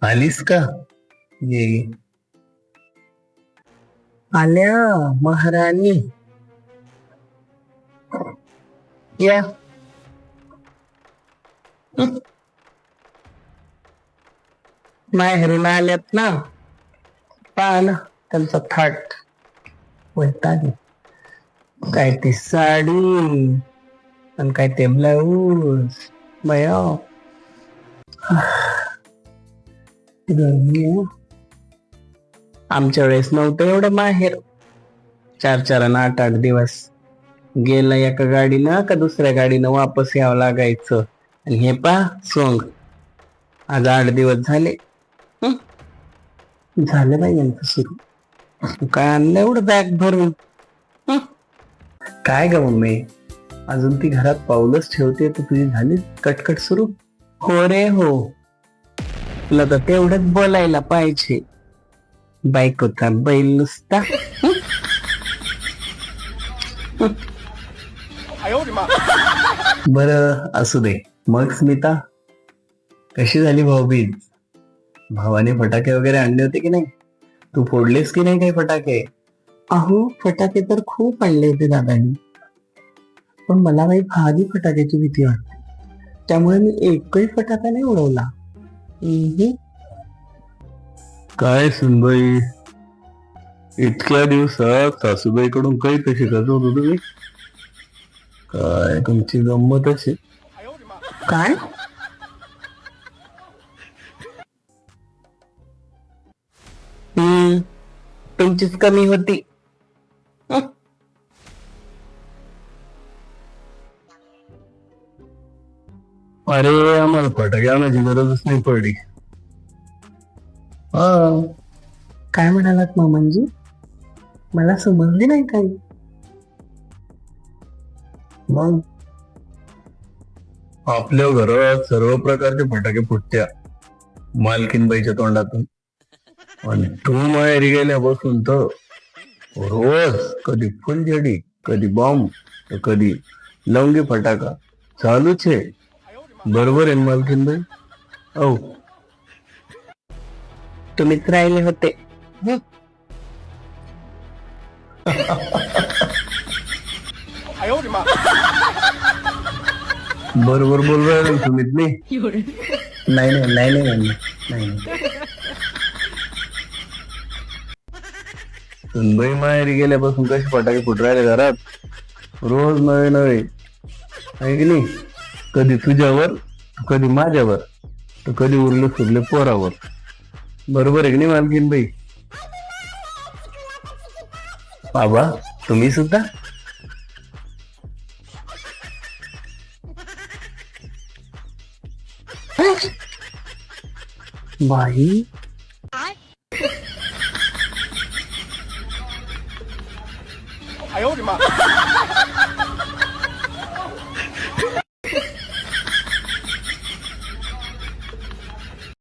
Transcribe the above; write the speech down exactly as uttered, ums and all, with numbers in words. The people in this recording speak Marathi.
आलीस का? ये आल्या महाराणी या. हं. माहेरून आल्यात ना, पहा ना त्यांचा थाट. वैताग. काय ती साडी आणि काय ते ब्लाऊज बया. आमच्या वेळेस नव्हतं एवढं माहेर. चार चार आणि आठ आठ दिवस गेला एका गाडीनं का दुसऱ्या गाडीनं वापस यावं लागायचं. आणि हे पा सोंग आज आठ दिवस झाले. हं? झालं बाई यांचं सुरू. काय आणलं एवढं बॅग भरून? हं? काय ग मम्मी, अजून ती घरात पाऊलच ठेवते तर तुझी झाली कटकट सुरू? हो रे हो, तुला तर तेवढंच बोलायला पाहिजे. बायकोचा बैल नुसता. बर असू दे. मग स्मिता, कशी झाली भाऊबीज? भावाने फटाके वगैरे आणले होते की नाही? तू फोडलेस की नाही काही फटाके? अहो फटाके तर खूप आणले होते दादानी, पण मला काही भारी फटाक्याची भीती वाटते, त्यामुळे मी एकही फटाका नाही उडवला. काय सुनबाई, इतक्या दिवसात सासूबाईकडून काही कशी करत होतो तुम्ही? काय तुमची गंमतच आहे. काय? हम्म तुमचीच कमी होती. हं? अरे आम्हाला फटाके आणायची गरजच नाही पडली. हा. काय म्हणालात मामांजी? मला समजले नाही काही. मग आपल्या घरात सर्व प्रकारचे फटाके फुटत्या मालकीनबाईच्या तोंडातून, आणि तू माहेरी गेल्यापासून तर रोज कधी फुलझडी, कधी बॉम्ब, तर कधी लवंगी फटाका चालूच आहे. बरोबर आहे मालकीनबाई? औ तुम्हीच राहिले होते. हं? बरोबर बोल रहे तुम्ही. नाही नाही नाही नाही नाही. सुनबाई माहेरी गेल्यापासून कसे फटाके फुट राहिले घरात, रोज नवे नवे, आहे की नाही? कधी तुझ्यावर, कधी माझ्यावर, तर कधी उरले सुरले पोरावर. बरोबर आहे की नाही मालकीनबाई? बाबा तुम्ही सुद्धा? बाई